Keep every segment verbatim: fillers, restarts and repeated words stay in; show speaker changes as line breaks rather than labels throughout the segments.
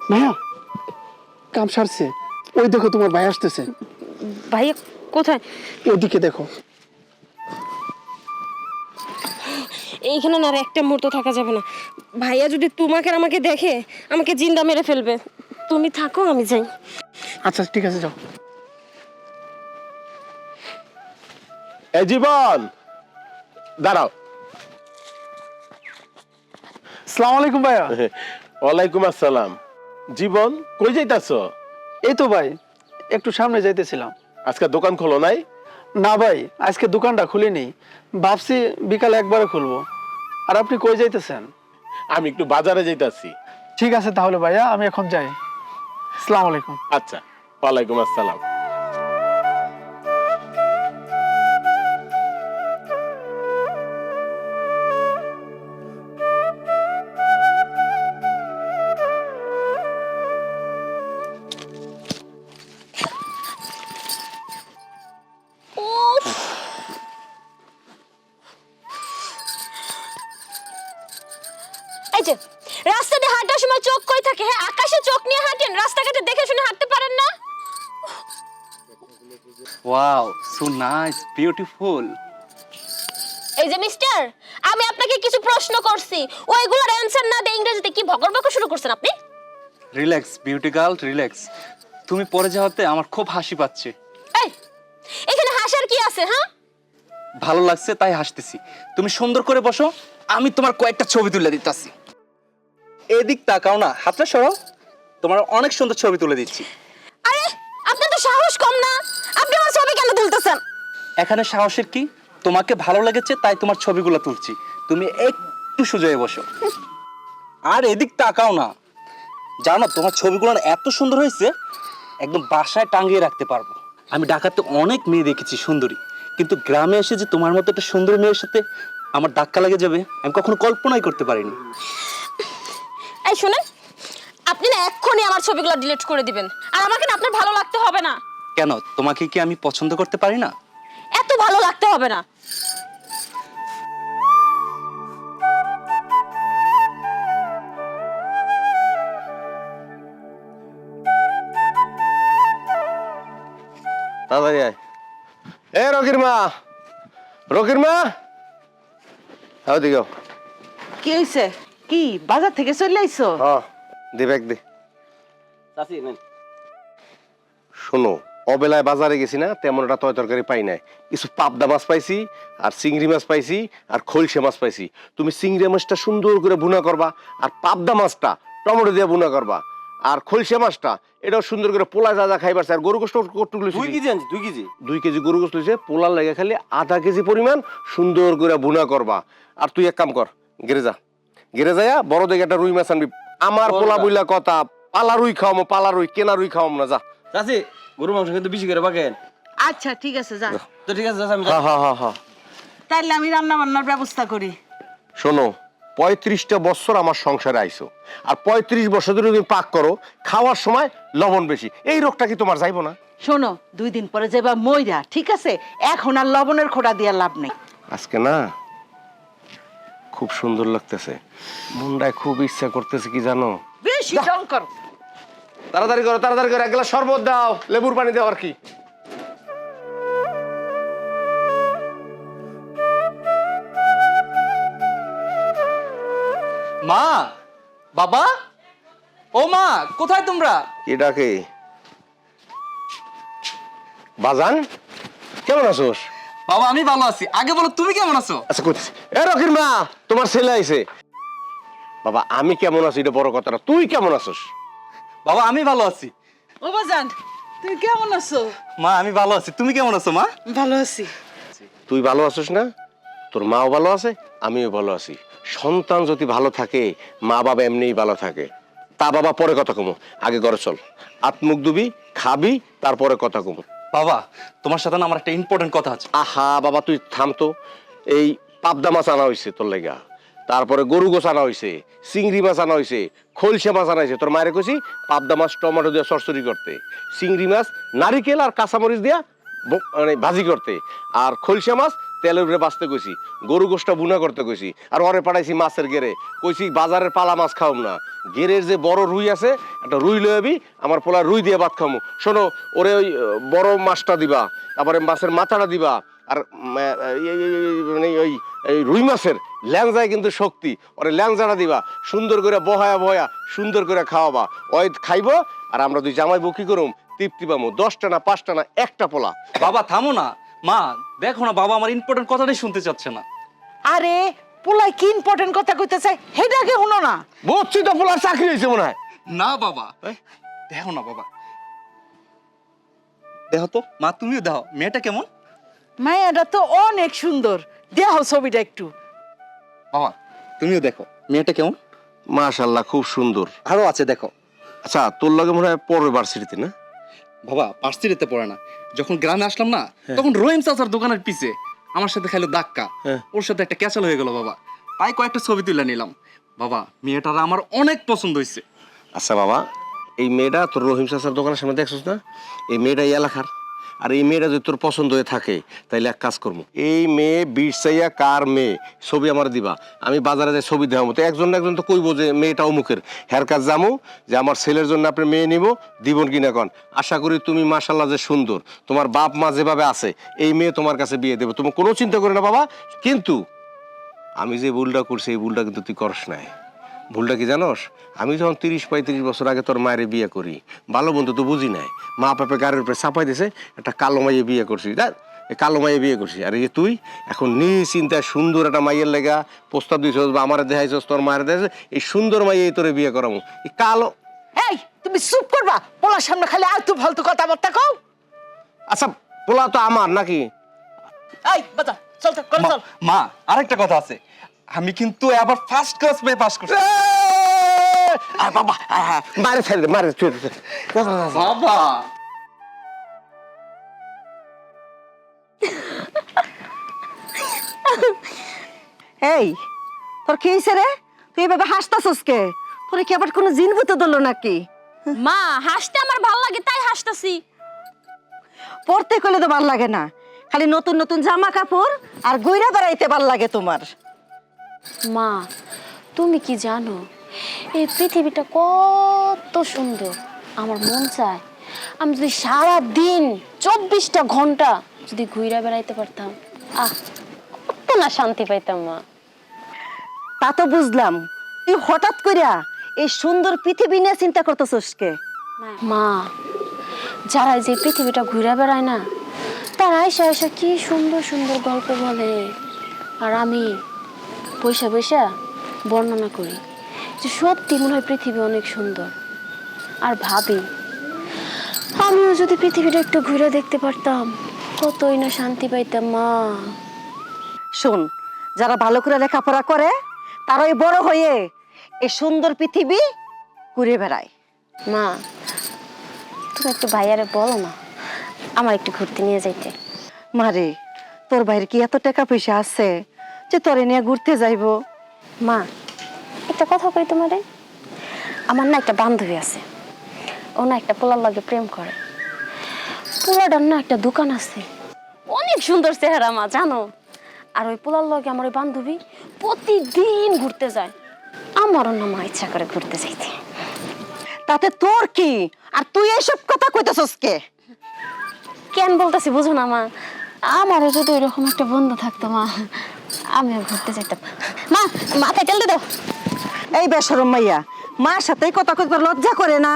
ভাইয়া কাম সারছে, ওই দেখো তোমার ভাই আসতেছে।
ভাইয়া কোথায়?
ওদিকে দেখো।
এইখানে না আর একটা মুহূর্ত থাকা যাবে না। ভাইয়া যদি তোমাকে আর আমাকে দেখে আমাকে জিন্দা মেরে ফেলবে। তুমি থাকো, আমি যাই।
আচ্ছা ঠিক আছে, যাও।
এ জীবন, দাঁড়াও।
আসসালামু আলাইকুম ভাইয়া।
ওয়ালাইকুম আসসালাম। জীবন, কই যাইতাছ?
এই তো ভাই একটু সামনে যাইতেছিলাম।
আজকে দোকান খোলো নাই?
না ভাই, আজকে দোকানটা খুলিনি, ভাবছি বিকালে একবারে খুলবো। আর আপনি কই যাইতেছেন?
আমি একটু বাজারে যাইতাছি।
ঠিক আছে তাহলে ভাইয়া, আমি এখন যাই। আসসালামু আলাইকুম।
আচ্ছা, ওয়ালাইকুম আসসালাম।
উফ, এই যে রাস্তা দিয়ে হাঁটার সময় চোখ কই থাকে? হ্যাঁ, আকাশে চোখ নিয়ে হাঁটেন, রাস্তাঘাটে দেখে শুনে হাঁটতে পারেন না?
Wow, so nice, beautiful.
এই যে মিস্টার, আমি আপনাকে কিছু প্রশ্ন করছি, ওইগুলোর অ্যানসার না দিয়ে ইংরেজিতে কি ভগর বকর শুরু করছেন আপনি?
Relax beauty girl, relax. তুমি পরে যাওয়াতে আমার খুব হাসি পাচ্ছে।
এই, এখানে হাসার কি আছে? হ্যাঁ,
ভালো লাগছে তাই হাসতেছি। তুমি সুন্দর করে বসো, আমি তোমার কয়েকটা ছবি তুলে দিতেছি। এদিক তাকাও না, হাতটা সরাও, তোমার অনেক সুন্দর ছবি তুলে দিচ্ছি।
আরে আপনার তো সাহস কম না, আপনি আমার ছবি কেন তুলতেছেন?
এখানে সাহসের কি? তোমাকে ভালো লেগেছে তাই তোমার ছবিগুলো তুলছি। তুমি একটু সোজা হয়ে বসো। আর এদিক তাকাও না, জানো তোমার ছবিগুলো না এত সুন্দর হয়েছে, একদম বাসায় টাঙিয়ে রাখতে পারবো। আমি ঢাকাতে অনেক মেয়ে দেখেছি সুন্দরী, কিন্তু গ্রামে এসে যে তোমার মতো একটা সুন্দরী মেয়ের সাথে আমার ধাক্কা লেগে যাবে আমি কখনো কল্পনাই করতে পারিনি।
এই শুনেন, আপনি না এক্ষুনি আমার ছবিগুলো ডিলিট করে দিবেন, আর আমাকে না আপনার ভালো লাগতে হবে না।
কেন, তোমাকে কি আমি পছন্দ করতে পারি না?
এত ভালো লাগতে হবে না।
তাড়াতাড়ি আয়। এ রকির মা, রকির মা, ওদিকে।
কি হইছে? কি বাজার থেকে চলে আইছো?
হ্যাঁ, দে ব্যাগ দে। শোনো, অবেলায় বাজারে গেছি না, তেমন একটা তয় তরকারি পাই নাই। কিছু পাবদা মাছ পাইছি, আর চিংড়ি মাছ পাইছি, আর খলসে মাছ পাইছি। তুমি চিংড়ি মাছটা সুন্দর করে ভুনা করবা, আর পাবদা মাছটা টমেটো দিয়ে ভুনা করবা, আর খলসে মাছটা এটাও সুন্দর করে পোলা যা যা খাইবার। আর গরু গোস্ত কতটুকু? দুই কেজি আনছি। দুই কেজি দুই কেজি গরু গোস্ত লইছে। পোলার লাগে খালি আধা কেজি পরিমাণ সুন্দর করে ভুনা করবা। আর তুই এক কাম কর, গেরে যা, গেরে যাইয়া বড় দেখে একটা রুই মাছ আনবি। আমার পোলা বইলা কথা, পালা রুই খাওয়ামো, পালা রুই, কেনা রুই খাওয়াম না। যা
চাচি, গরু মাংস কিন্তু বেশি করে পাকেন।
আচ্ছা ঠিক আছে, যা।
তো ঠিক আছে চাচি, আমি
হ্যাঁ হ্যাঁ হ্যাঁ হ্যাঁ।
তাইলে আমি রান্না বান্নার ব্যবস্থা করি।
শোনো, পঁয়ত্রিশটা বছর আমার সংসারে আইছো, আর পঁয়ত্রিশ বছর ধরে তুমি পাক করো, খাওয়ার সময় লবণ বেশি। এই রোগটা কি তোমার যাইবো না?
শোনো, দুই দিন পরে যাবা মইরা, ঠিক আছে? এখন আর লবণের খোঁড়া দিয়া লাভ নেই।
আজকে না খুব সুন্দর লাগতেছে, মনটায় খুব ইচ্ছা করতেছে কি জানো?
বেশি ঢং করো।
তাড়াতাড়ি করো, তাড়াতাড়ি করো, এক গ্লাস শরবত দাও, লেবুর পানি দাও। আর কি
মা, বাবা, ও মা, কোথায় তোমরা?
এটাকে বাজান, কেমন আছোস?
বাবা আমি ভালো আছি, আগে বলো তুমি কেমন আছো?
আচ্ছা করতেছি। এ রকির মা, তোমার ছেলে আইছে। বাবা আমি কেমন আছি এটা বড় কথা না, তুই কেমন আছোস?
বাবা আমি ভালো আছি।
ও বাজান, তুমি কেমন আছো?
মা আমি ভালো আছি, তুমি কেমন আছো মা?
ভালো আছি।
তুই ভালো আছিস না? তোর মাও ভালো আছে, আমিও ভালো আছি। সন্তান যদি ভালো থাকে, মা বাবা এমনিই ভালো থাকে। তা বাবা পরে কথা কমো, আগে ঘরে চল, আত্মুখ দুবি, খাবি, তারপরে কথা কমো।
বাবা তোমার সাথে না আমার একটা ইম্পর্টেন্ট কথা আছে।
আহা বাবা তুই থাম তো। এই পাবদা মাছ আনা হয়েছে তোর লেগা, তারপরে গরু গোছ আনা হয়েছে, চিংড়ি মাছ আনা হয়েছে, খলসে মাছ আনা হয়েছে। তোর মায়ের কইছি পাবদা মাছ টমেটো দিয়ে চরচড়ি করতে, চিংড়ি মাছ নারিকেল আর কাঁচামরিচ দিয়া ব- মানে ভাজি করতে, আর খলসে মাছ তেলের উপরে বাঁচতে কইছি, গরু গোষ্ঠটা বুনা করতে কইছি, আর ওরে পাঠাইছি মাছের গেরে, কইছি বাজারের পালা মাছ খাওয়াম না, গেরের যে বড় রুই আছে একটা রুই লয়ে যাবি, আমার পোলা রুই দিয়ে ভাত খামু। শোনো, ওরে ওই আহ, বড় মাছটা দিবা, তারপরে মাছের মাথাটা দিবা, আর উম, আহ, এই- এই- এই- মানে ওই এই রুই মাছের ল্যাংজায় কিন্তু শক্তি, ওরে ল্যাংজাটা দিবা, সুন্দর করে বহায়া বহায়া সুন্দর করে খাওয়াবা, ওই খাইবো, আর আমরা দুই জামাই বউ কি করুম, তৃপ্তি পামু। দশটা না পাঁচটা না একটা পোলা।
বাবা থামো না, মা দেখো না বাবা আমার ইম্পর্টেন্ট কথাটাই শুনতে চাচ্ছে না।
আরে পোলাই কি ইম্পর্টেন্ট কথা কইতেছে হেডাকে শুনো না।
বুঝছি তো, পোলার চাকরি হয়েছে মনে হয়।
না বাবা, দেখো না বাবা, দেখো তো মা, তুমিও দেখো মেয়েটা কেমন।
মায়াটা তো অনেক সুন্দর, দেহ ছবিটা একটু।
বাবা তুমিও দেখো মেয়েটা কেমন।
মাশাআল্লাহ, খুব সুন্দর।
আরো আছে দেখো।
আচ্ছা, তোর লাগে মনে হয় পরের ভার্সিটিতে না?
বাবা পার্সিটিতে পড়ে না, যখন গ্রামে আসলাম না তখন রহিম চাচার দোকানের পিছে আমার সাথে খাইলো ধাক্কা,
হ্যাঁ।
ওর সাথে একটা ক্যাচাল হয়ে গেল বাবা, তাই কয়েকটা ছবি তুলে নিলাম। বাবা মেয়েটার আমার অনেক পছন্দ হয়েছে।
আচ্ছা বাবা, এই মেয়েটা তোর রহিম চাচার দোকানের সামনে দেখছিস না, এই মেয়েটা এই এলাকার। আর এই মেয়েটা যদি তোর পছন্দ হয়ে থাকে তাইলে এক কাজ করবো, এই মেয়ে বিরসাইয়া কার মেয়ে ছবি আমার দিবা, আমি বাজারে যাই ছবি দেওয়ার মতো, একজন না একজন তো কইবো যে মেয়েটা অমুকের, হ্যার কাজ জামু যে আমার ছেলের জন্য আপনি মেয়ে নিব, দিবন কিনা কন। আশা করি তুমি মাশাল্লাহ যে সুন্দর, তোমার বাপ মা যেভাবে আছে, এই মেয়ে তোমার কাছে বিয়ে দেবো, তুমি কোনো চিন্তা করে না বাবা। কিন্তু আমি যে ভুলটা করছি এই ভুলটা কিন্তু তুই করস নাই। ভুলটা কি জানোস, আমি যখন তিরিশ পঁয়ত্রিশ বছর আগে তোর মায়ের বিয়ে করি, ভালো বন্ধু তো বুঝি নাই, মা বাপে গাড়ির উপরে চাপাই দিছে, একটা কালো মাইয়ে বিয়ে করছি, দেখ এই কালো মাইয়ে বিয়ে করছি। আর এই যে তুই এখন নিশ্চিন্তায় সুন্দর একটা মাইয়ের লেগা প্রস্তাব দিছস বা আমার দেখাইছস, তোর মায়ের দেখাইছ, এই সুন্দর মাইয়ে তোরে বিয়ে করামু। এই কালো,
এই তুমি চুপ করবা, পোলার সামনে খালি আলতু ফালতু কথাবার্তা কও।
আচ্ছা পোলা তো আমার নাকি?
এই বাজা চল চল করে
মা-
চল।
মা আরেকটা কথা আছে, আমি কিন্তু আবার ফার্স্ট ক্লাস পেয়ে পাস করছি।
আয় বাবা, আয়, আয়, মারে ছেড়ে দে, মারে ছেড়ে দে।
বাবা
এই তোর কি হয়েছে রে? তুই এভাবে হাসতাছস কে? তোর কি আবার কোনো জিন ভূত ধরলো নাকি?
মা হাসতে আমার ভালো লাগে তাই হাসতাছি।
পড়তে কইলে তো ভাল লাগে না, খালি নতুন নতুন জামা কাপড় আর গইরা বেড়াইতে ভাল লাগে তোমার।
মা তুমি কি জানো এই পৃথিবীটা কত সুন্দর, আমার মন চায় আমি যদি সারা দিন চব্বিশটা ঘন্টা যদি ঘুরে বেড়াইতে পারতাম, আহ কত না শান্তি পাইতাম মা।
তা তো বুঝলাম, তুই হঠাৎ কইরা এই সুন্দর পৃথিবী নিয়ে চিন্তা করতেছস কে?
মা যারা যে পৃথিবীটা ঘুরে বেড়ায় না, তারা আইসা আইসা কি সুন্দর সুন্দর গল্প বলে, আর আমি বৈশা বৈশা বর্ণনা করি যে সত্যি মনে হয় পৃথিবী অনেক সুন্দর, আর ভাবি আমিও যদি পৃথিবীটা একটু ঘুরে দেখতে পারতাম কতই না শান্তি পাইতাম মা।
শোন, যারা ভালো করে লেখাপড়া করে তারাই বড় হয়ে এই সুন্দর পৃথিবী ঘুরে বেড়ায়।
মা তুমি একটু ভাইয়ারে বলো না আমার একটু ঘুরতে নিয়ে যাইতে।
মারে, তোর ভাইয়ের কি এত টাকা পয়সা আছে যে তোরে নিয়ে ঘুরতে যাইবো?
মা একটা কথা কই তোমারে, আমার না একটা বান্ধবী আছে, ও না একটা পোলার লগে প্রেম করে, পোলাটার না একটা দোকান আছে, অনেক সুন্দর চেহারা মা জানো, আর ওই পোলার লগে আমার ওই বান্ধবী প্রতিদিন ঘুরতে যায়, আমারও না মা ইচ্ছা করে ঘুরতে যাইতে।
তাতে তোর কি? আর তুই এইসব কথা কইতেছস কে?
কেন বলতেছি বুঝো না মা, আমারও যদি ওইরকম একটা বন্ধু থাকতো মা, আমিও ঘুরতে যাইতাম। মা মাথায় তেল দিয়ে দাও।
এই বেশরম মাইয়া, মার সাথে কথা কইবার লজ্জা করে না?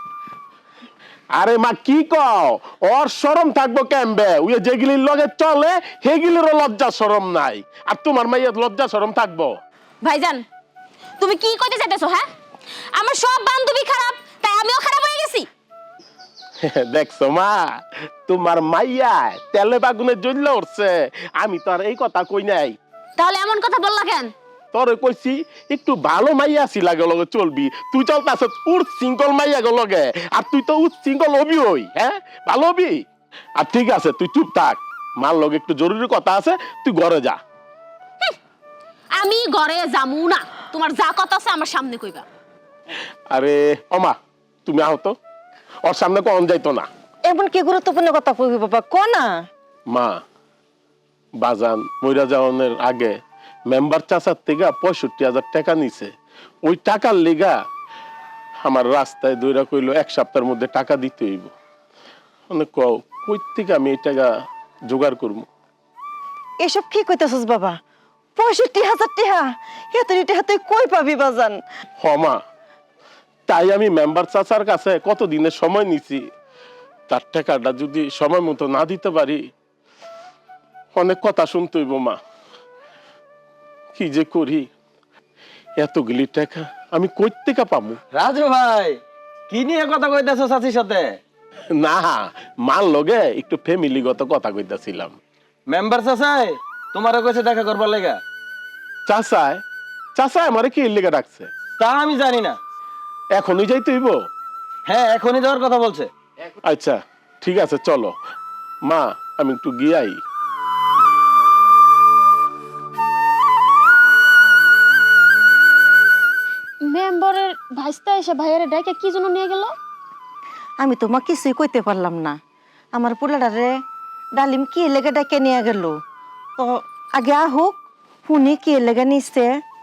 আরে মা কি কও, ওর শরম থাকবো কেমবে? ওই যেগুলির লগে চলে সেগুলিরও লজ্জা শরম নাই, আর তোমার মাইয়ার লজ্জা শরম থাকবো?
ভাইজান তুমি কি কইতে চাইতেছো? হ্যাঁ আমার সব বান্ধবী খারাপ তাই আমিও খারাপ হয়ে গেছি?
দেখছো মা, তোমার মাইয়া তেলে বাগুনে জ্বললে উঠছে, আমি তো আর এই কথা কই নাই।
তাহলে এমন কথা বললা কেন?
তোরে কইছি একটু ভালো মাইয়া আছি লাগে লগে চলবি, তুই চলতাছ উঠ সিঙ্গল মাইয়া গো লগে, আর তুই তো উঠ সিঙ্গল হবি, ওই হ্যাঁ ভালো হবি। আর ঠিক আছে তুই চুপ থাক, মার লগে একটু জরুরি কথা আছে, তুই ঘরে যা।
আমি ঘরে যামু না, তোমার যা কথা আছে আমার সামনে কইবা।
আরে ওমা তুমি আহো তো, ওর সামনে কখন যাইতো না।
এমন কি গুরুত্বপূর্ণ কথা কইবি বাবা, ক না।
মা বাজান মইরা যাওয়ানোর আগে মেম্বার চাচার থেকে পঁয়ষট্টি হাজার টাকা নিছে। ওই টাকার লিগা আমার রাস্তায় দইরা কইলো এক সপ্তাহের মধ্যে টাকা দিতে হইব। মানে কও কই থেকে আমি এই টাকা জোগাড় করবো?
এসব কি কইতাছস বাবা? পঁয়ষট্টি হাজার টাকা এত টাকা তুই কই পাবি বাজান?
হমা, তাই আমি মেম্বার চাচার কাছে কত দিনের সময় নিছি, তার টাকাটা যদি সময় মতো না দিতে পারি অনেক কথা শুনতে হইব মা। কি যে করি, এতগুলি টাকা আমি কই থেকে পাবো?
রাজু ভাই কি নিয়ে কথা কইতেছো চাচির সাথে?
না, মার লগে একটু ফ্যামিলিগত কথা কইতাছিলাম।
মেম্বার চাচাই তোমারও কইছে দেখা করবার লেগা?
চাচায় চাচায় আমারে কি লেগে ডাকছে?
তা আমি জানি না।
এখনই যাইতে হইব?
হ্যাঁ এখনই যাওয়ার কথা বলছে।
আচ্ছা ঠিক আছে, চলো মা, আমি একটু গিয়াই।
মেম্বারের ভাইস্তা এসে ভাইয়ারে ডাইকে কি জন্য নিয়ে গেল?
আমি তোমার কিছুই কইতে পারলাম না। আমার পোলাটারে ডালিম কি লেগে ডাকে নিয়ে গেল, তো আগে আহুক শুনি কি লেগে নিচ্ছে।